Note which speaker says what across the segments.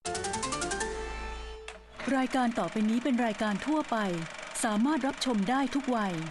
Speaker 1: รายการต่อไปนี้เป็นรายการทั่วไปสามารถรับชมได้ทุกวัย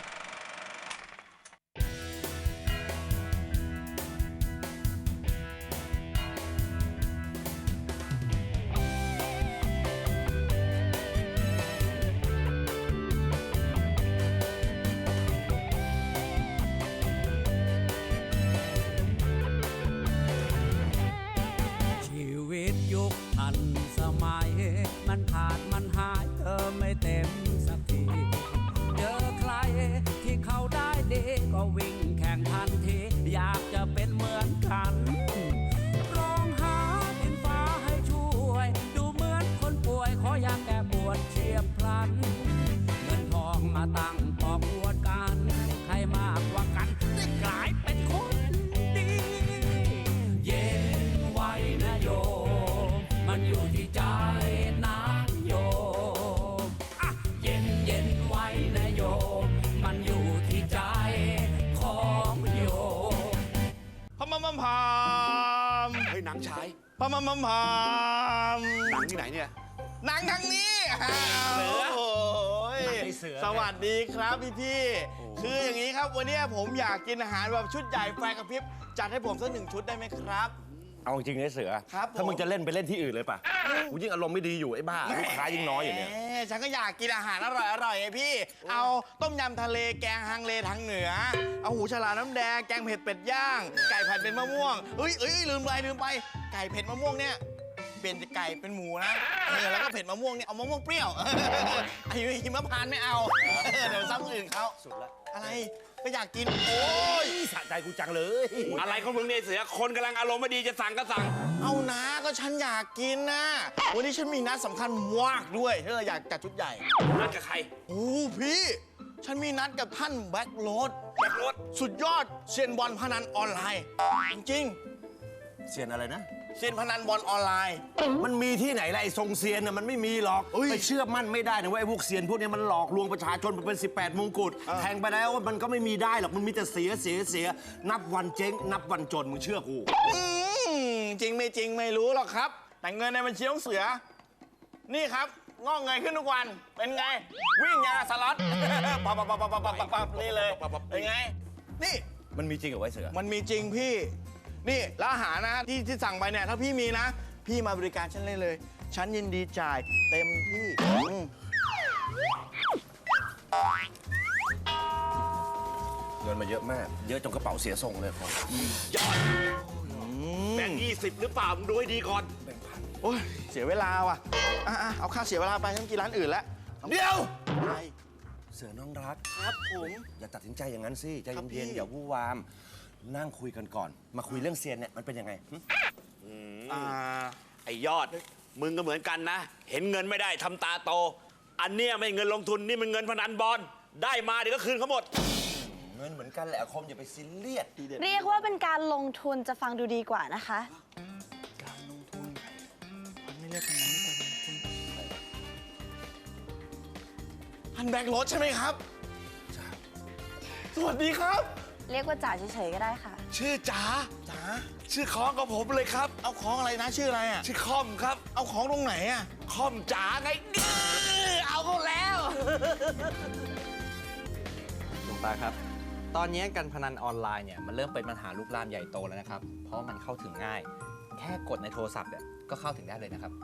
Speaker 2: ชีวิตยุคทันสมัยมันขาดมันหายเธอไม่เต็มสักทีเจอใครที่เขาได้ดีก็วิ่งแข่งทันทีอยากจะเป็นเหมือนกันร้องหาดินฟ้าให้ช่วยดูเหมือนคนป่วยขออยากแก้ปวดเฉียบพลันเงินทองมาตั้งปอกอวดกันใครมากกว่ากันได้กลายเป็นคนดีเย็นไว้นะโยมมันอยู่ที่ใจนะโยมอ่ะเย็นเย็นไว้นะโยมมันอยู่ที่ใจของโยม
Speaker 3: พะมัมมัมพาม
Speaker 4: เฮ้ยหนังฉาย
Speaker 3: พะมัมมัมพาม
Speaker 4: หนังที่ไหนเนี่ย
Speaker 3: หนังทางนี้โอ้โห
Speaker 4: หนังไอ้เสือ
Speaker 3: สวัสดีครับพี่คืออย่างนี้ครับวันนี้ผมอยากกินอาหารแบบชุดใหญ่ไฟกระพริบจัดให้ผมสัก1 ชุดได้ไหมครับ
Speaker 5: เอาจริงนะเสือ
Speaker 3: ครับผม
Speaker 5: ถ้ามึงจะเล่นไปเล่นที่อื่นเลยป่ะกูยิ่งอารมณ์ไม่ดีอยู่ไอ้บ้าลูกค้ายิ่งน้อยอยู่เนี่ย
Speaker 3: แหมฉันก็อยากกินอาหารอร่อยไงพี่ เอาต้มยำทะเลแกงฮังเลทางเหนือ เอาหูฉลามน้ำแดงแกงเผ็ดเป็ดย่าง ไก่ผัดเป็นมะม่วงเอ้ยลืมไปไก่เผ็ดมะม่วงเนี่ยเปลี่ยนจากไก่เป็นหมูนะแล้วก็เผ็ดมะม่วงเนี่ยเอามะม่วงเปรี้ยวไอ้หิมพานต์ไม่เอาเดี๋ยวซ้ำคนอื่นเขา
Speaker 5: สุดละ
Speaker 3: อะไรก็อยากกินโอ้
Speaker 5: โอ้
Speaker 3: ย
Speaker 5: ยสะใจกูจังเลย
Speaker 4: อะไรของมึงเนี่ยเสือคนกำลังอารมณ์ไม่ดีจะสั่งก็สั่ง
Speaker 3: เอานะก็ฉันอยากกินนะวันนี้ฉันมีนัดสำคัญมากด้วยถ้าเราอยากจัดชุดใหญ่
Speaker 4: นัดกับใคร
Speaker 3: โอ้พี่ ฉันมีนัดกับท่านแบ็คโรด
Speaker 4: แบ็คโรด
Speaker 3: สุดยอดเซียนบอลพนันออนไลน์ จริง
Speaker 5: เซียนอะไรนะ
Speaker 3: ๆเซียนพนันบอลออนไลน์
Speaker 5: มันมีที่ไหนล่ะไอ้ทรงเซียนน่ะมันไม่มีหรอก
Speaker 3: เอ้ย
Speaker 5: ไปเชื่อมั่นไม่ได้นะว่าไอ้พวกเซียนพวกเนี้ยมันหลอกลวงประชาชนไปเป็น18 มงกุฎแทงไปแล้วมันก็ไม่มีได้หรอกมันมีแต่เสียนับวันเจ๊งนับวันจนมึงเชื่อกู
Speaker 3: จริงไม่จริงไม่รู้หรอกครับ แต่เงินในบัญชีของเสือ นี่ครับงอกเงยขึ้นทุกวัน เป็นไง วิ่งยาสล็อต ปับนี่เลยเป็นไง นี่
Speaker 5: มันมีจริงเหรอไอ้เสือ
Speaker 3: มันมีจริงพี่ นี่แล้วอาหารนะที่สั่งไปเนี่ยถ้าพี่มีนะ พี่มาบริการฉันเลย ฉันยินดีจ่ายเต็มที่
Speaker 5: เงินมาเยอะมากเยอะจนกระเป๋าเสียทรงเลยครับ
Speaker 4: ยอดแบ่ง20หรือเปล่ามึงดูให้ดีก่อน
Speaker 3: โอ้ยเสียเวลาว่ะเอาค่าเสียเวลาไปฉันกินร้านอื่นแล้ว
Speaker 5: เดี๋ยว
Speaker 3: อะไร
Speaker 5: เสือน้องรัก
Speaker 3: ครับผม
Speaker 5: อย่าตัดสินใจอย่างนั้นสิใจ
Speaker 3: ครับพี่
Speaker 5: เย็นๆอย่าวู่วามนั่งคุยกันก่อน มาคุยเรื่องเซียนเนี่ยมันเป็นยังไงหึ
Speaker 4: ไอ้ยอด มึงก็เหมือนกันนะ เห็นเงินไม่ได้ทำตาโต อันเนี้ยไม่เงินลงทุนนี่มันเงินพนันบอลได้มาเดี๋ยวก็คืนเขาหมด
Speaker 5: เงินเหมือนกันแหละอาคมอย่าไปซีเรียส
Speaker 6: เรียกว่าเป็นการลงทุนจะฟังดูดีกว่านะคะ
Speaker 3: การลงทุนมันไม่เรียกกันนั้นการลงทุนพันแบกรถใช่ไหมครับ สวัสดีครับ
Speaker 6: เรียกว่าจ่าเฉยๆก็ได้ค่ะ
Speaker 4: ชื่อจ๋า
Speaker 3: จ๋า
Speaker 4: ชื่อของกับผมเลยครับ
Speaker 3: เอาของอะไรนะชื่ออะไรอ่ะ
Speaker 4: ชื่อคอมครับ
Speaker 3: เอาของตรงไหนอ่ะ
Speaker 4: คอมจ๋าไงเอาเขาแล้ว
Speaker 7: หลวงตาครับ ตอนนี้การพนันออนไลน์เนี่ยมันเริ่มเป็นปัญหาลุกลามใหญ่โตแล้วนะครับ เพราะมันเข้าถึงง่าย แค่กดในโทรศัพท์เนี่ยก็เข้าถึงได้เลยนะครับ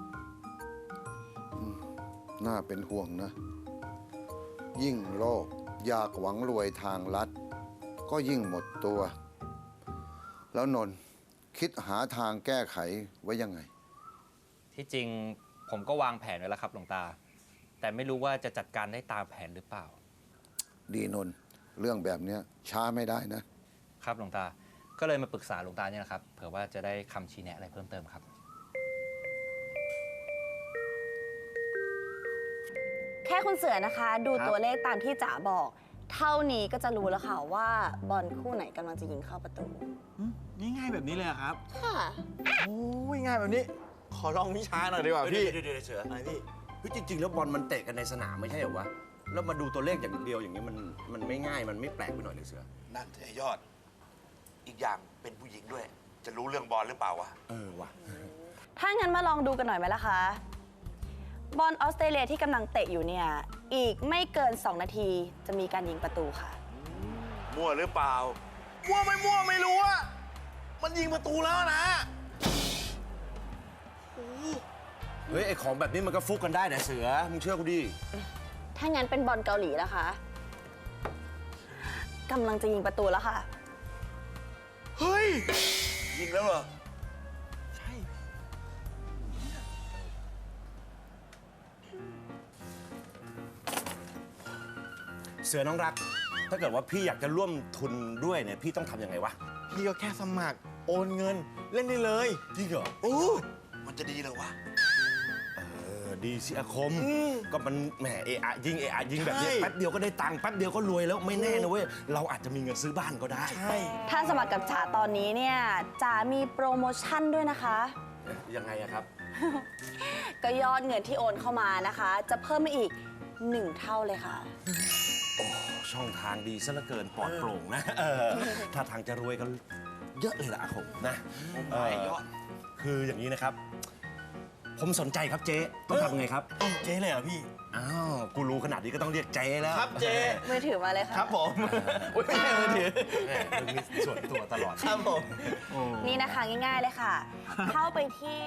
Speaker 8: น่าเป็นห่วงนะ ยิ่งโลภอยากหวังรวยทางลัด ก็ยิ่งหมดตัว แล้วนนท์คิดหาทางแก้ไขไว้ยังไง
Speaker 7: ที่จริงผมก็วางแผนไว้แล้วครับหลวงตา แต่ไม่รู้ว่าจะจัดการได้ตามแผนหรือเปล่า
Speaker 8: ดีนนท์เรื่องแบบเนี้ยช้าไม่ได้นะ
Speaker 7: ครับหลวงตา ก็เลยมาปรึกษาหลวงตาเนี่ยนะครับ เผื่อว่าจะได้คำชี้แนะอะไรเพิ่มเติมครับ
Speaker 6: แค่คุณเสือนะคะ ดูตัวเลขตามที่จ๋าบอก เท่านี้ก็จะรู้แล้วค่ะว่าบอลคู่ไหนกำลังจะยิงเข้าประตู
Speaker 3: ง่ายๆแบบนี้เลยเหรอครับ
Speaker 6: ค่ะ
Speaker 3: โอ้ยง่ายแบบนี้ ขอลองวิชาหน่อยดีกว่าพี่
Speaker 5: เดี๋ยวเสือ
Speaker 3: อะไรพี่
Speaker 5: เฮ้ยจริงๆแล้วบอลมันเตะกันในสนามไม่ใช่เหรอวะแล้วมาดูตัวเลขอย่างเดียวอย่างนี้มันไม่ง่ายมันไม่แปลกไปหน่อยเลยเสือ
Speaker 4: นั่นไอ้ยอด อีกอย่างเป็นผู้หญิงด้วย จะรู้เรื่องบอลหรือเปล่าวะ
Speaker 5: เออว่ะ
Speaker 6: ถ้างั้นมาลองดูกันหน่อยไหมล่ะคะ บอลออสเตรเลียที่กำลังเตะอยู่เนี่ย อีกไม่เกิน 2 นาทีจะมีการยิงประตูค่ะ
Speaker 4: มั่วหรือเปล่า
Speaker 3: มั่วไม่รู้อะมันยิงประตูแล้วนะ
Speaker 5: เฮ้ย ไอของแบบนี้มันก็ฟุกกันได้นะเสือ มึงเชื่อกูดิ
Speaker 6: ถ้างั้นเป็นบอลเกาหลีแล้วคะกำลังจะยิงประตูแล้วค่ะ
Speaker 3: เฮ้ย
Speaker 4: ยิงแล้วเหรอ
Speaker 5: เสือน้องรัก ถ้าเกิดว่าพี่อยากจะร่วมทุนด้วยเนี่ย พี่ต้องทำยังไงวะ
Speaker 3: พี่ก็แค่สมัครโอนเงินเล่นได้เลย
Speaker 5: จริงเหรอ
Speaker 3: โอ้
Speaker 4: มันจะดีเหรอวะ
Speaker 5: ดีสิอาคม ก็มันแหมเอะอะยิงแบบนี้
Speaker 3: ใช่
Speaker 5: แป๊บเดียวก็ได้ตังค์แป๊บเดียวก็รวยแล้วไม่แน่นะเว้ย เราอาจจะมีเงินซื้อบ้านก็ได้
Speaker 3: ใช่
Speaker 6: ถ้าสมัครกับจ๋าตอนนี้เนี่ยจ๋ามีโปรโมชั่นด้วยนะคะ
Speaker 5: ยังไงอะครับ
Speaker 6: ก็ยอดเงินที่โอนเข้ามานะคะ จะเพิ่มมาอีก 1 เท่าเลยค่ะ
Speaker 5: ช่องทางดีซะเหลือเกินปลอดโปร่งนะถ้าทางจะรวยกันเยอะเลยล่ะอาคมนะคืออย่างนี้นะครับ ผมสนใจครับเจ๊ต้องทำไงครับ
Speaker 3: เจ๊เลยเหรอพี่
Speaker 5: อ้าวกูรู้ขนาดนี้ก็ต้องเรียกเจ๊แล้ว
Speaker 3: ครับเจ๊
Speaker 6: มือถือมาเลยค่ะ
Speaker 3: ครับผมอุ๊ยไม่ใช่มือถือ
Speaker 5: แหมมึงมีส่วนตัวตลอด
Speaker 3: ครับผม
Speaker 6: นี่นะคะง่ายๆเลยค่ะ เข้าไปที่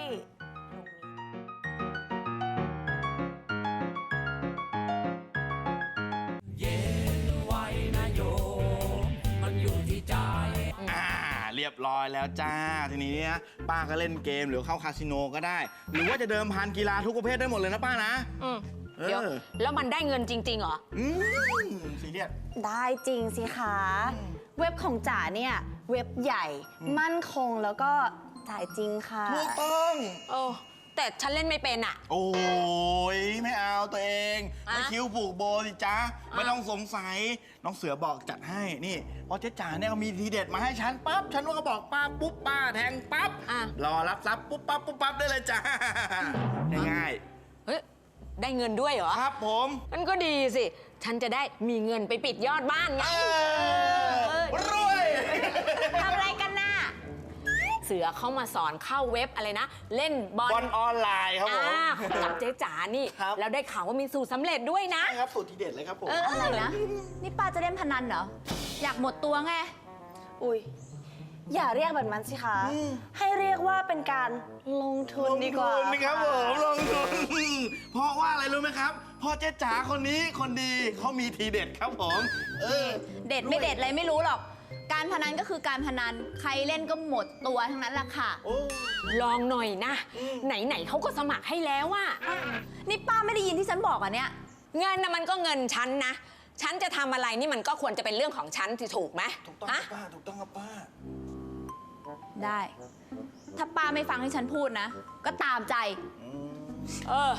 Speaker 6: ตรงนี้
Speaker 2: เย็นไว้นะโยม มันอยู่ที่ใจ
Speaker 3: เรียบร้อยแล้วจ้า ทีนี้เนี่ยป้าก็เล่นเกมหรือเข้าคาสิโนก็ได้ หรือว่าจะเดิมพันกีฬาทุกประเภทได้หมดเลยนะป้านะ
Speaker 9: เดี๋ยว แล้วมันได้เงินจริง ๆ เหรอ
Speaker 3: ซีเรียส
Speaker 6: ได้จริงสิคะ เว็บของจ๋าเนี่ยเว็บใหญ่ มั่นคงแล้วก็จ่ายจริงค่ะ
Speaker 3: ถูกต้อง
Speaker 9: เออ แต่ฉันเล่นไม่เป็นอ่ะ
Speaker 3: โอ้ยไม่เอาตัวเอง
Speaker 9: อะ
Speaker 3: ไม่คิ้วผูกโบสิจ๊ะ ไม่ต้องสงสัย น้องเสือบอกจัดให้ นี่พอเจ๊จ๋าเนี่ยก็มีทีเด็ดมาให้ฉันปั๊บ ฉันก็บอกป้าปุ๊บป้าแทงปั๊บ
Speaker 9: อ่ะ
Speaker 3: รอรับทรัพย์ปุ๊บปั๊บได้เลยจ้า ง่าย
Speaker 9: เฮ้ย ได้เงินด้วยเหรอ
Speaker 3: ๆครับผม
Speaker 9: มันก็ดีสิ ฉันจะได้มีเงินไปปิดยอดบ้านไง
Speaker 3: รวย
Speaker 9: ทำอะไรกันน่ะ เสือเข้ามาสอนเข้าเว็บอะไรนะ เล่นบอล
Speaker 3: บอลออนไลน์ครับผม
Speaker 9: กับเจ๊จ๋านี่
Speaker 3: ครับ
Speaker 9: แล้วได้ข่าวว่ามีสูตรสำเร็จด้วยนะ
Speaker 3: ใช่ครับสูตรทีเด็ดเลยครับผม
Speaker 10: อะไรนะ นี่ป้าจะเล่นพนันเหรอ อยากหมดตัวไง
Speaker 6: อุ้ยอย่าเรียกแบบนั้นสิคะ ให้เรียกว่าเป็นการลงทุนดีกว่า
Speaker 3: ลงทุนนะครับผมลงทุน เพราะว่าอะไรรู้ไหมครับเพราะเจ๊จ๋าคนนี้คนดีเขามีทีเด็ดครับผม
Speaker 10: เด็ดไม่เด็ดอะไรไม่รู้หรอก การพนันก็คือการพนัน ใครเล่นก็หมดตัวทั้งนั้นแหละค่ะ
Speaker 9: ลองหน่อยนะ ไหนๆเขาก็สมัครให้แล้วอะ
Speaker 10: นี่ป้าไม่ได้ยินที่ฉันบอกอ่ะเนี่ย
Speaker 9: เงินนะมันก็เงินฉันนะ ฉันจะทำอะไรนี่มันก็ควรจะเป็นเรื่องของฉันที่ถูกไหม
Speaker 3: ถูกต้องค
Speaker 9: ฮะ
Speaker 3: รับป้าถูกต้องครับป้า
Speaker 10: ได้ ถ้าป้าไม่ฟังที่ฉันพูดนะ ก็ตามใจ
Speaker 9: เออ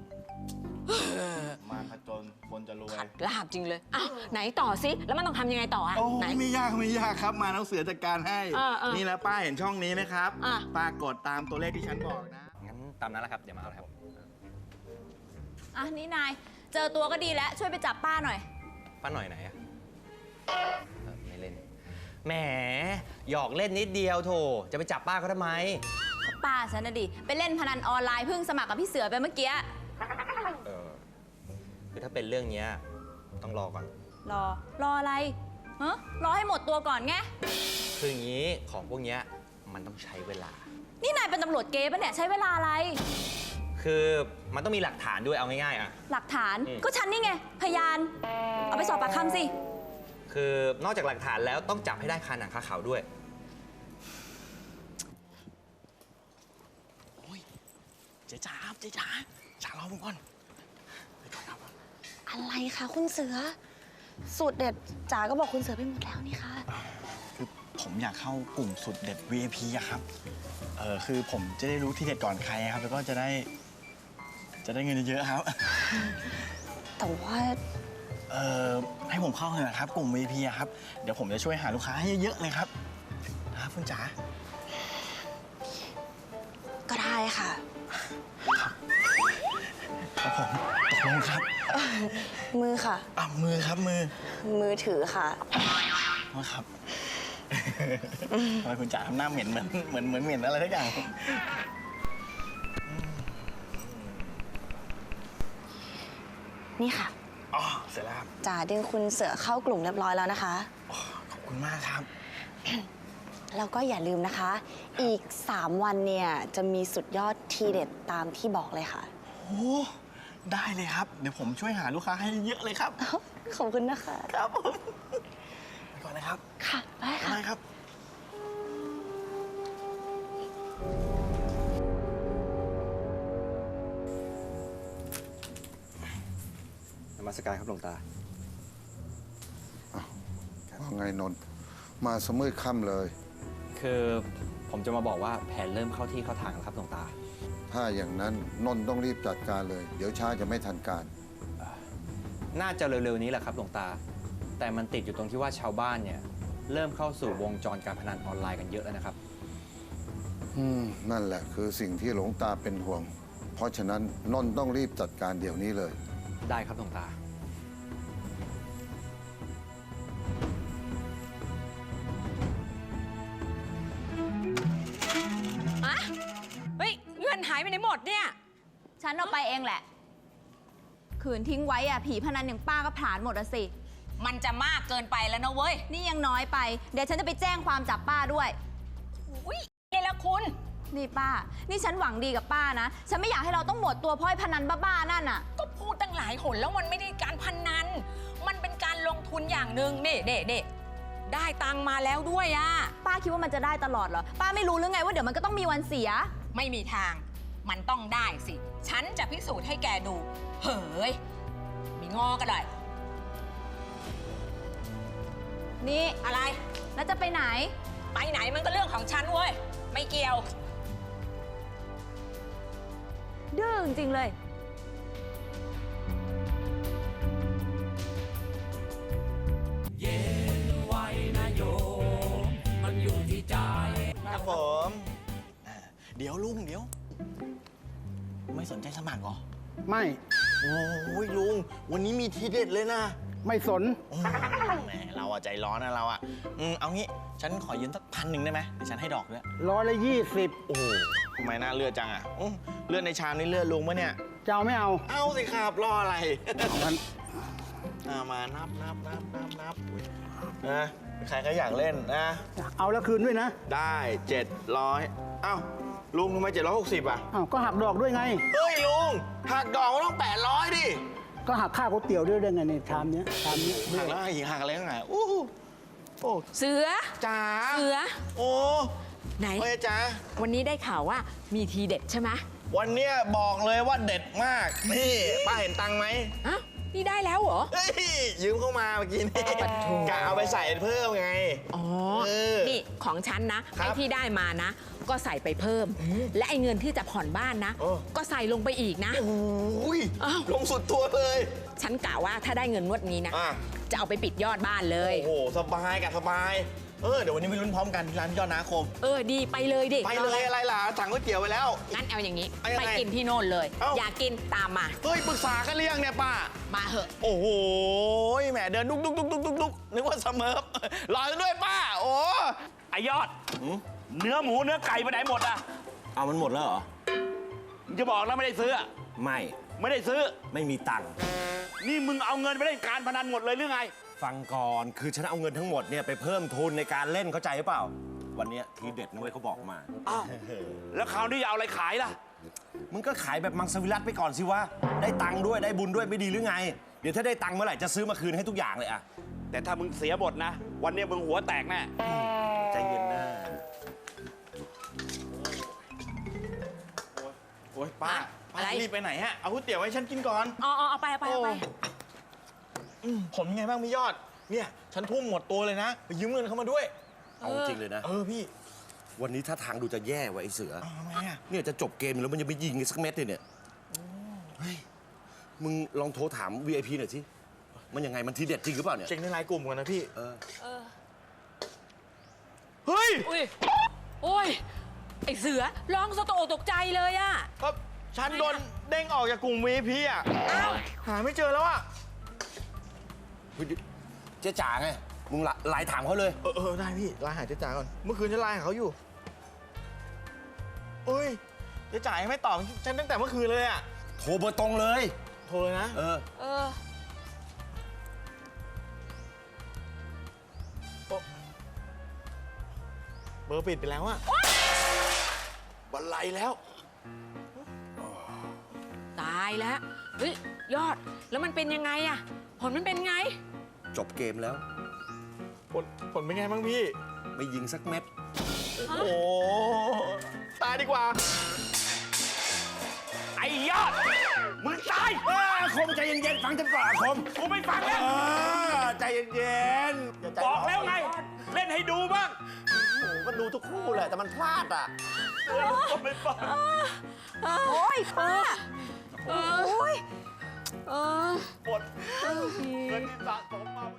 Speaker 3: มาผจญคนจะรวย
Speaker 9: ขัดลาบจริงเลยอ้าวไหนต่อสิแล้วมันต้องทำยังไงต่ออะ
Speaker 3: โอ้
Speaker 9: ไหน
Speaker 3: ไม่ยากครับมาน้องเสือจัดการให้
Speaker 9: เออ
Speaker 3: นี่นะป้าเห็นช่องนี้ไหมครับ
Speaker 9: อ่ะ
Speaker 3: ป้ากดตามตัวเลขที่ฉันบอกนะ
Speaker 7: งั้นตามนั้นแหละครับ เดี๋ยวมาเอาครับ
Speaker 10: อ่ะ นี่นาย เจอตัวก็ดีแล้ว ช่วยไปจับป้าหน่อย
Speaker 7: ป้าหน่อยไหนอะไม่เล่น แหม หยอกเล่นนิดเดียวโถ จะไปจับป้าเขาทำไม
Speaker 10: ป้าฉันน่ะดิ ไปเล่นพนันออนไลน์เพิ่งสมัครกับพี่เสือไปเมื่อกี้
Speaker 7: คือถ้าเป็นเรื่องเนี้ยต้องรอก่อน
Speaker 10: รออะไรฮะรอให้หมดตัวก่อนไง
Speaker 7: คืออย่างนี้ของพวกเนี้ยมันต้องใช้เวลา
Speaker 10: นี่นายเป็นตำรวจเก๊ปะเนี่ย ใช้เวลาอะไร
Speaker 7: คือมันต้องมีหลักฐานด้วยเอาง่ายๆอะ
Speaker 10: หลักฐาน
Speaker 7: อืม
Speaker 10: ก็ฉันนี่ไง พยาน เอาไปสอบปากคำสิ
Speaker 7: คือนอกจากหลักฐานแล้วต้องจับให้ได้คาหนังคาเขาด้วย
Speaker 3: เจ๊จ๋าจ๋ารอผมก่อน
Speaker 6: อะไรคะคุณเสือ สูตรเด็ดจ๋าก็บอกคุณเสือไปหมดแล้วนี่คะ
Speaker 3: คือผมอยากเข้ากลุ่มสุดเด็ด VIP อะครับ คือผมจะได้รู้ที่เด็ดก่อนใครครับ แล้วก็จะได้เงินเยอะๆครับ
Speaker 6: แต่ว่า
Speaker 3: ให้ผมเข้าเถอะครับ กลุ่ม VIP อะครับ เดี๋ยวผมจะช่วยหาลูกค้าให้เยอะๆเลยครับนะครับคุณจ๋า
Speaker 6: ก็ได้ค่ะ
Speaker 3: ครับผมตกลงครับ
Speaker 6: มือค่ะ
Speaker 3: มือครับมือ
Speaker 6: มือถือค่ะ
Speaker 3: ครับ ทำไมคุณจ๋าทำหน้าเหม็นเหมือนเหม็นอะไรทุกอย่าง
Speaker 6: นี่ค่ะ
Speaker 3: อ๋อ เสร็จแล้วครับ
Speaker 6: จ๋าดึงคุณเสือเข้ากลุ่มเรียบร้อยแล้วนะคะ
Speaker 3: ขอบคุณมากครับ
Speaker 6: แล้วก็อย่าลืมนะคะ อีก 3 วันเนี่ยจะมีสุดยอดทีเด็ดตามที่บอกเลยค่ะ
Speaker 3: โอ้ ได้เลยครับ เดี๋ยวผมช่วยหาลูกค้าให้เยอะเลยครับ
Speaker 6: ขอบคุณนะคะ
Speaker 3: ครับผมไปก่อนนะครับ
Speaker 6: ค่ะ ได้ค่ะ
Speaker 3: ได้ครับ
Speaker 7: นมัสการครับหลวงตา
Speaker 8: ว่าไงนนท์มาสมืดค่ำเลย
Speaker 7: คือผมจะมาบอกว่าแผนเริ่มเข้าที่เข้าทางแล้วครับหลวงตา
Speaker 8: ถ้าอย่างนั้นนนท์ต้องรีบจัดการเลย เดี๋ยวช้าจะไม่ทันการ
Speaker 7: น่าจะเร็วๆนี้แหละครับหลวงตา แต่มันติดอยู่ตรงที่ว่าชาวบ้านเนี่ยเริ่มเข้าสู่วงจรการพนันออนไลน์กันเยอะแล้วนะครับ
Speaker 8: นั่นแหละคือสิ่งที่หลวงตาเป็นห่วง เพราะฉะนั้นนนท์ต้องรีบจัดการเดี๋ยวนี้เลย
Speaker 7: ได้ครับหลวงตา
Speaker 9: อะเฮ้ย เงินหายไปไหนหมดเนี่ย
Speaker 10: ฉันเอาไปเองแหละ ขืนทิ้งไว้อะผีพนันอย่างป้าก็ผลาญหมดอะสิ
Speaker 9: มันจะมากเกินไปแล้วนะเว้ย
Speaker 10: นี่ยังน้อยไป เดี๋ยวฉันจะไปแจ้งความจับป้าด้วย
Speaker 9: อุ้ยเลยละคุณ
Speaker 10: นี่ป้า นี่ฉันหวังดีกับป้านะ ฉันไม่อยากให้เราต้องหมดตัวเพราะไอ้พนันบ้าๆนั่นน่ะ
Speaker 9: ก็พูดตั้งหลายหนแล้วมันไม่ได้การพนัน มันเป็นการลงทุนอย่างหนึ่งนี่เด็ได้ตังค์มาแล้วด้วยอะ
Speaker 10: ป้าคิดว่ามันจะได้ตลอดเหรอ ป้าไม่รู้หรือไงว่าเดี๋ยวมันก็ต้องมีวันเสีย
Speaker 9: ไม่มีทาง มันต้องได้สิ ฉันจะพิสูจน์ให้แกดู เฮ้ย มีงอกันเลย
Speaker 10: นี่
Speaker 9: อะไร
Speaker 10: แล้วจะไปไหน
Speaker 9: ไปไหนมันก็เรื่องของฉันเว้ย ไม่เกี่ยว
Speaker 10: ดื้อจริงๆเลย
Speaker 2: เย็นไว้นะโยมมันอยู่ที่ใจ
Speaker 3: ครับผมเดี๋ยวลุงเดี๋ยว ไม่สนใจสมัครเหรอ
Speaker 11: ไม่
Speaker 3: โอ้ยลุง วันนี้มีทีเด็ดเลยนะ
Speaker 11: ไม่สน
Speaker 3: แหมเราอะใจร้อนนะเราอะเอางี้ ฉันขอยืมสัก1,000ได้ไหมเดี๋ยวฉันให้ดอกด้วย
Speaker 11: 120
Speaker 3: โอ้โหทำไมน่าเลือดจังอะเลือดในชามนี่เลือดลุงปะเนี่ย
Speaker 11: จะเอาไม่เอา
Speaker 3: เอาสิครับรออะไร
Speaker 11: งั้น
Speaker 3: มานับนะใครก็อยากเล่นนะ
Speaker 11: เอาแล้วคืนด้วยนะ
Speaker 3: ได้ 700เอ้าลุงทำไม760อ่ะ
Speaker 11: อ้าวก็หักดอกด้วยไง
Speaker 3: เฮ้ยลุงหักดอกก็ต้อง800ดิ
Speaker 11: ก็หักค่าก๋วยเตี๋ยวด้วยได้ไงในชามเนี้ยด้
Speaker 3: หั
Speaker 11: วย
Speaker 3: กแล้วหักอะไรตั้งไหนโอ้
Speaker 9: เสือ
Speaker 3: จ๋า
Speaker 9: เสือ
Speaker 3: โอ้
Speaker 9: ไหน
Speaker 3: เฮ้ยจ๋า
Speaker 9: วันนี้ได้ข่าวว่ามีทีเด็ดใช่ไหม
Speaker 3: วันเนี้ยบอกเลยว่าเด็ดมาก นี่ป้าเห็นตังค์ไหม
Speaker 9: อ้าวนี่ได้แล้วเหรอ
Speaker 3: เฮ้ยยืมเข้ามาเมื่อกี้นี่กะเอาไปใส่เพิ่มไง
Speaker 9: อ๋อ
Speaker 3: เออ
Speaker 9: นี่ของฉันนะ
Speaker 3: ครับ
Speaker 9: ไอ้ที่ได้มานะ ก็ใส่ไปเพิ่ม และไอ้เงินที่จะผ่อนบ้านนะ
Speaker 3: เออ
Speaker 9: ก็ใส่ลงไปอีกนะ
Speaker 3: โอ้ย
Speaker 9: อ้าว
Speaker 3: ลงสุดตัวเลย
Speaker 9: ฉันกะว่าถ้าได้เงินงวดนี้นะ
Speaker 3: อ่ะ
Speaker 9: จะเอาไปปิดยอดบ้านเลย
Speaker 3: โอ้โหสบายกับสบาย เดี๋ยววันนี้ไปลุ้นพร้อมกันที่ร้านยอดนาคม
Speaker 9: ดีไปเลยดิ
Speaker 3: ไปเลยอะไรล่ะสั่งก๋วยเตี๋ยวไปแล้ว
Speaker 9: งั้นเอาอย่างนี้
Speaker 3: เอายังไง
Speaker 9: ไปกินที่โน่นเลย
Speaker 3: เอ้า
Speaker 9: อยากกินตามมา
Speaker 3: เฮ้ยปรึกษากันเรียงเนี่ยป้า
Speaker 9: มาเหอะ
Speaker 3: โอ้โหแหมเดินดุกนึกว่าเสมอรอด้วยป้า โอ้
Speaker 4: ไอยอด เนื้อหมูเนื้อไก่ไปไหนหมดอ่ะ
Speaker 5: เอามันหมดแล้วเหรอ
Speaker 4: มึงจะบอกแล้วไม่ได้ซื้ออะ
Speaker 5: ไม่
Speaker 4: ไม่ได้ซื้อ
Speaker 5: ไม่มีตังค์
Speaker 4: นี่มึงเอาเงินไปเล่นการพนันหมดเลยหรือไง
Speaker 5: ฟังก่อน คือฉันเอาเงินทั้งหมดเนี่ยไปเพิ่มทุนในการเล่นเข้าใจหรือเปล่า วันเนี้ยทีเด็ดนะเว้ยเขาบอกมา
Speaker 4: อ้าว แล้วคราวนี้จะเอาอะไรขายล่ะ
Speaker 5: มึงก็ขายแบบมังสวิรัตไปก่อนสิวะ ได้ตังค์ด้วยได้บุญด้วยไม่ดีหรือไง เดี๋ยวถ้าได้ตังค์เมื่อไหร่จะซื้อมาคืนให้ทุกอย่างเลยอะ
Speaker 4: แต่ถ้ามึงเสียบทนะ วันนี้มึงหัวแตกแน่
Speaker 5: ใจเย็นนะ
Speaker 3: โอ้ยป้า
Speaker 9: อะไร
Speaker 3: รีบไปไหนฮะ เอาก๋วยเตี๋ยวให้ฉันกินก่อน
Speaker 9: เอาไป
Speaker 3: ผมยังไงบ้างพี่ยอด เนี่ย ฉันทุ่มหมดตัวเลยนะไปยืมเงินเขามาด้วย
Speaker 5: เอาจริงเลยนะ
Speaker 3: พี่
Speaker 5: วันนี้ถ้าทางดูจะแย่ว่ะไอ้เสือ
Speaker 3: ทำไมอะ
Speaker 5: เนี่ยจะจบเกมอยู่แล้วมันยังไม่ยิงกันสักเม็ดเลยเนี่ย เฮ้ย มึงลองโทรถาม VIP หน่อยสิ มันยังไงมันทีเด็ดจริงหรือเปล่าเนี่ย
Speaker 3: เช็คในไลน์กลุ่มกันนะพี่
Speaker 9: เฮ้ย โอ้ย ไอเสือร้องสะโตกตกใจเลยอะ
Speaker 3: ก็ฉันโดนเด้งออกจากกลุ่ม VIP อ่ะ
Speaker 9: อ้าว
Speaker 3: หาไม่เจอแล้วอ่ะ
Speaker 5: เจ๊จ๋าไง มึงไลน์ถามเขาเลย
Speaker 3: ได้พี่ไลน์หาเจ๊จ๋าก่อน เมื่อคืนฉันไลน์หาเขาอยู่เอ้ย เจ๊จ๋ายังไม่ตอบฉันตั้งแต่เมื่อคืนเลยอ่ะ
Speaker 5: โทรเบอร์ตรงเลย
Speaker 3: โทรเลยนะ
Speaker 9: เออ
Speaker 3: เบอร์ปิดไปแล้วอะ
Speaker 4: บันไลแล้ว
Speaker 9: ตายแล้ว เฮ้ย ยอด แล้วมันเป็นยังไงอะผลมันเป็นไง
Speaker 5: จบเกมแล้ว
Speaker 3: ผลเป็นไงบ้างพี่
Speaker 5: ไม่ยิงสักเม็ด
Speaker 3: โอ้โห ตายดีกว่า
Speaker 4: ไอ้ยอด มึงตาย
Speaker 5: คมใจเย็นๆฟังฉันก่อนคม
Speaker 4: กูไม่ฟังแล้ว
Speaker 5: ใจเย็น
Speaker 4: บอกแล้วไง เล่นให้ดูบ้าง
Speaker 5: ๆก็ดูทุกคู่แหละแต่มันพลาดอ่ะ
Speaker 4: ก็ไม่ฟัง
Speaker 10: โอ้ยป้า
Speaker 9: โอ้ย
Speaker 4: หมดเงินที่สะสมมา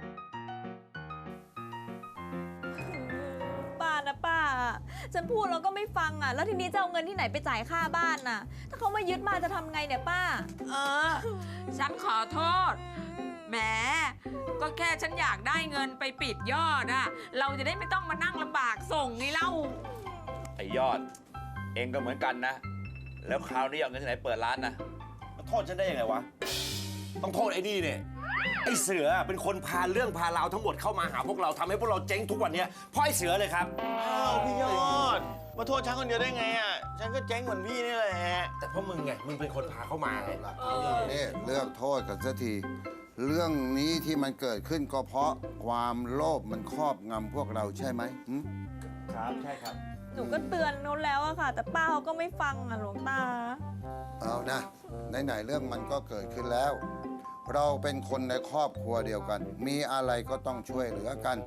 Speaker 10: ป้านะป้า ฉันพูดแล้วก็ไม่ฟังอ่ะ แล้วทีนี้จะเอาเงินที่ไหนไปจ่ายค่าบ้านน่ะ ถ้าเขามายึดมาจะทำไงเนี่ยป้า
Speaker 9: ฉันขอโทษ แหม ก็แค่ฉันอยากได้เงินไปปิดยอดอะเราจะได้ไม่ต้องมานั่งลำบากส่งไงเล่า
Speaker 4: ไอ้ยอด เองก็เหมือนกันนะ แล้วคราวนี้เอาเงินที่ไหนเปิดร้านนะ
Speaker 5: มาโทษฉันได้ยังไงวะ ต้องโทษไอ้นี่เนี่ยไอ้เสือเป็นคนพาเรื่องพาราวทั้งหมดเข้ามาหาพวกเราทำให้พวกเราเจ๊งทุกวันเนี้ยเพราะไอ้เสือเลยครับ
Speaker 3: อ้าวพี่ยอด มาโทษฉันคนเดียวได้ไงอะฉันก็เจ๊งเหมือนพี่นี่แหละ
Speaker 5: แต่เพราะมึงไง มึงเป็นคนพาเข้ามาไง
Speaker 8: นี่เลือกโทษกันสักที เรื่องนี้ที่มันเกิดขึ้นก็เพราะความโลภมันครอบงำพวกเราใช่ไหมหึ
Speaker 5: ครับใช่ครับ
Speaker 10: หนูก็เตือนเขาแล้วอะค่ะ แต่ป้าเขาก็ไม่ฟังอะหลวงตา
Speaker 8: เอานะไหนๆเรื่องมันก็เกิดขึ้นแล้ว เราเป็นคนในครอบครัวเดียวกัน มีอะไรก็ต้องช่วยเหลือกัน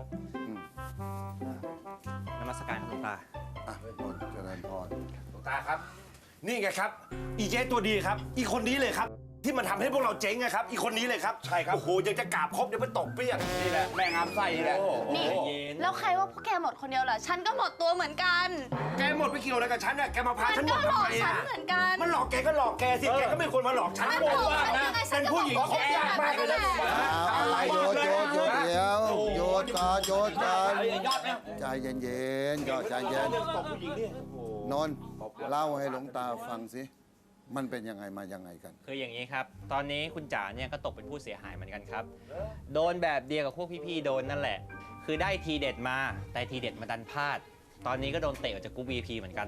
Speaker 7: นมัสการหลวงตา
Speaker 8: อ่ะนนท์เจริญพร
Speaker 5: หลวงตาครับ นี่ไงครับ อีเจ๊ตัวดีครับ อีคนนี้เลยครับ ที่มันทำให้พวกเราเจ๊งนะครับ อีคนนี้เลยครับ ใช่ครับ โอ้โห ยังจะกราบครบเดี๋ยวมันตกเปรี้ยง
Speaker 4: นี่แหละ แม่งามไส้นี่แหละ
Speaker 6: นี่ แล้วใครว่าพวกแกหมดคนเดียวเหรอ ฉันก็หมดตัวเหมือนกัน
Speaker 5: แกหมดไปเกี่ยวอะไรกับฉันน่ะแกมาพา
Speaker 6: มัน
Speaker 5: ฉันหม
Speaker 6: ก็
Speaker 5: ด
Speaker 6: หล
Speaker 5: ทำ
Speaker 6: อก
Speaker 5: ไม
Speaker 6: ฉั
Speaker 5: อ่ะ
Speaker 6: นเหมือนกัน
Speaker 5: มันหลอกแกก็หลอกแกสิ แกก็ไม่ควรมาหลอกฉัน
Speaker 6: มัน
Speaker 5: โก
Speaker 6: หล
Speaker 5: ง
Speaker 6: อก
Speaker 5: มาก
Speaker 6: ฉัน
Speaker 5: นะ
Speaker 6: ยังไงฉั
Speaker 5: เป็น น
Speaker 6: ก็
Speaker 5: ผู้หญิง
Speaker 6: บอก
Speaker 5: คบยากมากเลยนะ
Speaker 8: เอาโยนเดี๋ยวโยนก่อนโยนก่อนใจเย็นๆก็ใจเย็นนนท์เล่าให้หลวงตาฟังสิ มันเป็นยังไงมายังไงกัน
Speaker 7: คืออย่างนี้ครับ ตอนนี้คุณจ๋าเนี่ยก็ตกเป็นผู้เสียหายเหมือนกันครับ โดนแบบเดียวกับพวกพี่ๆ โดนนั่นแหละ คือได้ทีเด็ดมา แต่ทีเด็ดมาดันพลาด ตอนนี้ก็โดนเตะออกจากกรุ๊ป VIP เหมือนกัน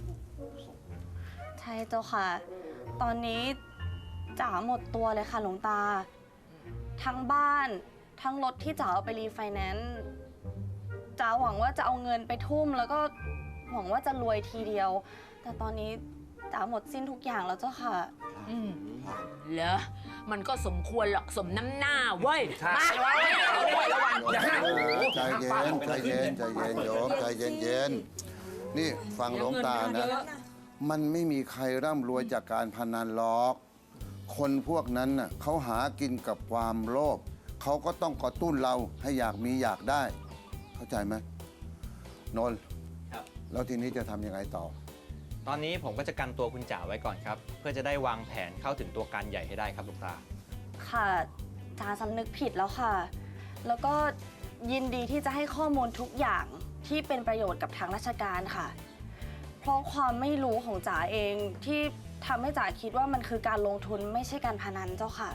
Speaker 6: ใช่เจ้าค่ะ ตอนนี้จ๋าหมดตัวเลยค่ะหลวงตา ทั้งบ้าน ทั้งรถที่จ๋าเอาไปรีไฟแนนซ์จ๋าหวังว่าจะเอาเงินไปทุ่ม แล้วก็หวังว่าจะรวยทีเดียว แต่ตอนนี้จ๋าหมดสิ้นทุกอย่างแล้วเจ้าค่ะ
Speaker 9: เหรอ มันก็สมควรหรอกสมน้ำหน้าเว้ย มา
Speaker 8: ใจเย็นใจเย็นใจเย็นโยมใจเย็นเย็นนี่ฟังหลวงตานะ มันไม่มีใครร่ำรวยจากการพนันหรอก คนพวกนั้นน่ะเขาหากินกับความโลภเขาก็ต้องกระตุ้นเราให้อยากมีอยากได้ เข้าใจไหมนนท์
Speaker 7: ครับ
Speaker 8: แล้วทีนี้จะทำยังไงต่อ
Speaker 7: ตอนนี้ผมก็จะกันตัวคุณจ๋าไว้ก่อนครับ เพื่อจะได้วางแผนเข้าถึงตัวการใหญ่ให้ได้ครับหลวงตา
Speaker 6: ค่ะจ๋าสำนึกผิดแล้วค่ะ แล้วก็ยินดีที่จะให้ข้อมูลทุกอย่างที่เป็นประโยชน์กับทางราชการค่ะ เพราะความไม่รู้ของจ๋าเองที่ทำให้จ๋าคิดว่ามันคือการลงทุนไม่ใช่การพนันเจ้าค่ะ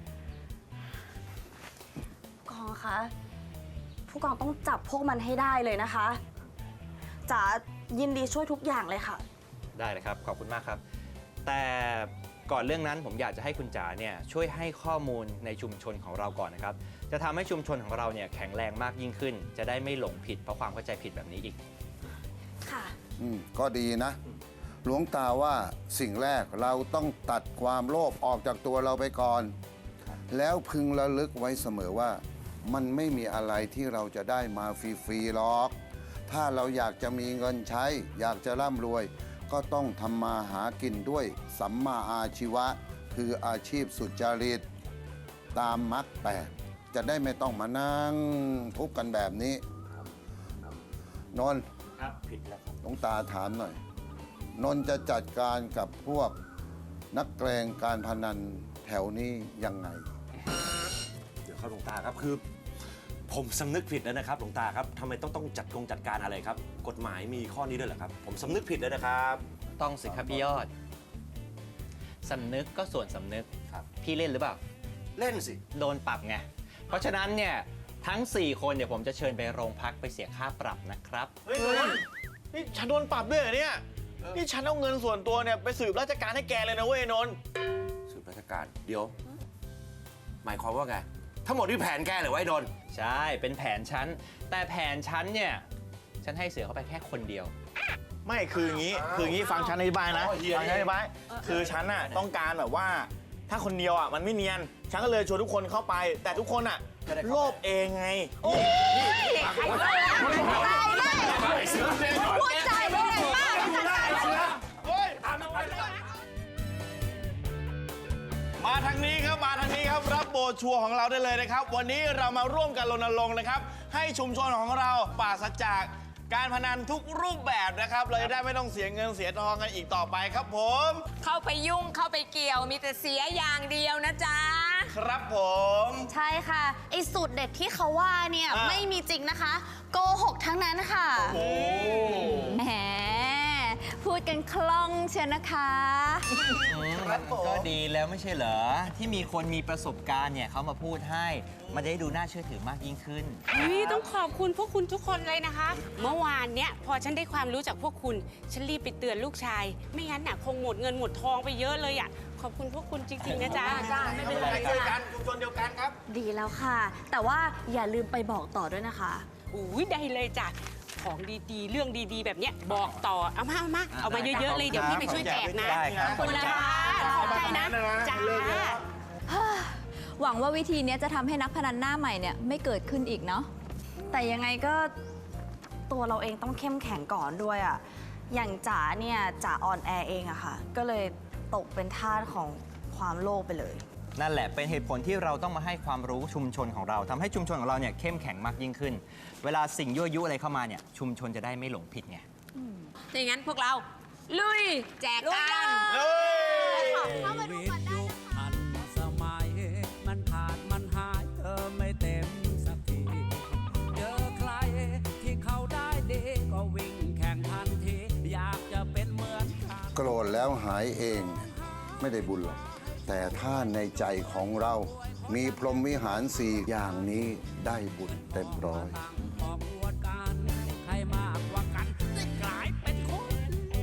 Speaker 6: ผู้กองคะผู้กองต้องจับพวกมันให้ได้เลยนะคะจ๋ายินดีช่วยทุกอย่างเลยค่ะ
Speaker 7: ได้เลยครับ ขอบคุณมากครับ แต่ก่อนเรื่องนั้นผมอยากจะให้คุณจ๋าเนี่ยช่วยให้ข้อมูลในชุมชนของเราก่อนนะครับ จะทำให้ชุมชนของเราเนี่ยแข็งแรงมากยิ่งขึ้น จะได้ไม่หลงผิดเพราะความเข้าใจผิดแบบนี้อีก
Speaker 6: ค่ะ
Speaker 8: ก็ดีนะ หลวงตาว่าสิ่งแรกเราต้องตัดความโลภออกจากตัวเราไปก่อน แล้วพึงระลึกไว้เสมอว่า มันไม่มีอะไรที่เราจะได้มาฟรีๆหรอก ถ้าเราอยากจะมีเงินใช้ อยากจะร่ำรวย ก็ต้องทำมาหากินด้วยสัมมาอาชีวะ คืออาชีพสุจริต ตามมรรคแปดจะได้ไม่ต้องมานั่งทุกข์กันแบบนี้นนท์
Speaker 7: ครับ ผิดแล้วครับ
Speaker 8: หลวงตาถามหน่อย นนท์จะจัดการกับพวกนักแกลงการพนันแถวนี้ยังไง
Speaker 5: เดี๋ยวครับหลวงตาครับคือ ผมสำนึกผิดแล้วนะครับหลวงตาครับทำไมต้องจัดการอะไรครับ กฎหมายมีข้อนี้ด้วยเหรอครับ ผมสำนึกผิดแล้วนะครับ
Speaker 7: ต้องสิครับพี่ยอด สำนึกก็ส่วนสำนึกครับ พี่เล่นหรือเปล่า
Speaker 5: เล่นสิ
Speaker 7: โดนปรับไง เพราะฉะนั้นเนี่ยทั้ง 4 คนเดี๋ยวผมจะเชิญไปโรงพักไปเสียค่าปรับนะครับ
Speaker 3: เฮ้ยนี่ฉันโดนปรับด้วยเหรอเนี่ย นี่ฉันเอาเงินส่วนตัวเนี่ยไปสืบราชการให้แกเลยนะเว้ยนนท์
Speaker 5: สืบราชการ เดี๋ยว หมายความว่าไง ทั้งหมดที่แผนแกเหรือไว้ดน
Speaker 7: ใช่ เป็นแผนฉัน แต่แผนฉันเนี่ย ฉันให้เสือเข้าไปแค่คนเดียว
Speaker 3: ไม่คืออย่างนี้ฟังฉันอธิบายนะ
Speaker 5: อ๋อเฮีย
Speaker 3: ฟังฉันอธิบายคือฉันน่ะต้องการแบบว่า ถ้าคนเดียวอ่ะมันไม่เนียน ฉันก็เลยชวนทุกคนเข้าไป แต่ทุกคนอ่ะโลภเองไง
Speaker 10: พูดใจไม่ได้มากเลยค่ะ
Speaker 3: มาทางนี้ครับมาทางนี้ครับรับโบชัวร์ของเราได้เลยนะครับ วันนี้เรามาร่วมกันรณรงค์นะครับ ให้ชุมชนของเราปราศจากการพนันทุกรูปแบบนะครับเราจะได้ไม่ต้องเสียเงินเสียทองกันอีกต่อไปครับผม
Speaker 9: เข้าไปยุ่งเข้าไปเกี่ยวมีแต่เสียอย่างเดียวนะจ๊ะ
Speaker 3: ครับผม
Speaker 6: ใช่ค่ะ ไอ้สูตรเด็ดที่เขาว่าเนี่ย
Speaker 3: อ่ะ
Speaker 6: ไม่มีจริงนะคะ โกหกทั้งนั้นค่ะ
Speaker 3: โอ้
Speaker 10: แหมพูดกันคล่องเชียวนะคะ
Speaker 7: ก็ดีแล้วไม่ใช่เหรอ ที่มีคนมีประสบการณ์เนี่ยเขามาพูดให้ มันจะได้ดูน่าเชื่อถือมากยิ่งขึ้น
Speaker 12: ต้องขอบคุณพวกคุณทุกคนเลยนะคะ เมื่อวานเนี้ยพอฉันได้ความรู้จากพวกคุณ ฉันรีบไปเตือนลูกชาย ไม่งั้นน่ะคงหมดเงินหมดทองไปเยอะเลยอ่ะ ขอบคุณพวกคุณจริงๆนะจ๊ะ
Speaker 3: ไม่เป็นไรช่วยกันชุมชนเดียวกันครับ
Speaker 6: ดีแล้วค่ะ แต่ว่าอย่าลืมไปบอกต่อด้วยนะคะ
Speaker 12: อุ้ยได้เลยจ้ะ ของดีๆ เรื่องดีๆ แบบเนี้ยบอกต่อ เอามาเยอะๆเลย เดี๋ยวพี่ไปช่วยแจกนะ
Speaker 7: ได้ครับ
Speaker 12: ขอบคุณนะคะขอบใจนะจ้า
Speaker 10: หวังว่าวิธีเนี้ยจะทำให้นักพนันหน้าใหม่เนี่ยไม่เกิดขึ้นอีกเนาะ
Speaker 6: แต่ยังไงก็ตัวเราเองต้องเข้มแข็งก่อนด้วยอะอย่างจ๋าเนี่ยจ๋าอ่อนแอเองอะค่ะ ก็เลยตกเป็นทาสของความโลภไปเลย
Speaker 7: นั่นแหละเป็นเหตุผลที่เราต้องมาให้ความรู้ชุมชนของเราทำให้ชุมชนของเราเนี่ยเข้มแข็งมากยิ่งขึ้น เวลาสิ่งยั่วยุอะไรเข้ามาเนี่ยชุมชนจะได้ไม่หลงผิดไง
Speaker 9: ถ้าอย่างนั้นพวกเรา ลุย แจกกัน
Speaker 10: เข้ามาดูก่อนได้
Speaker 2: ทันสมัย มันขาดมันหายเธอไม่เต็มสักที เจอใครที่เขาได้ดีก็วิ่งแข่งทันที อยากจะเป็นเหมือนกัน
Speaker 8: โกรธแล้วหายเองไม่ได้บุญหรอก แต่ถ้าในใจของเรามีพรหมวิหาร4 อย่างนี้ได้บุญเต็มร้อย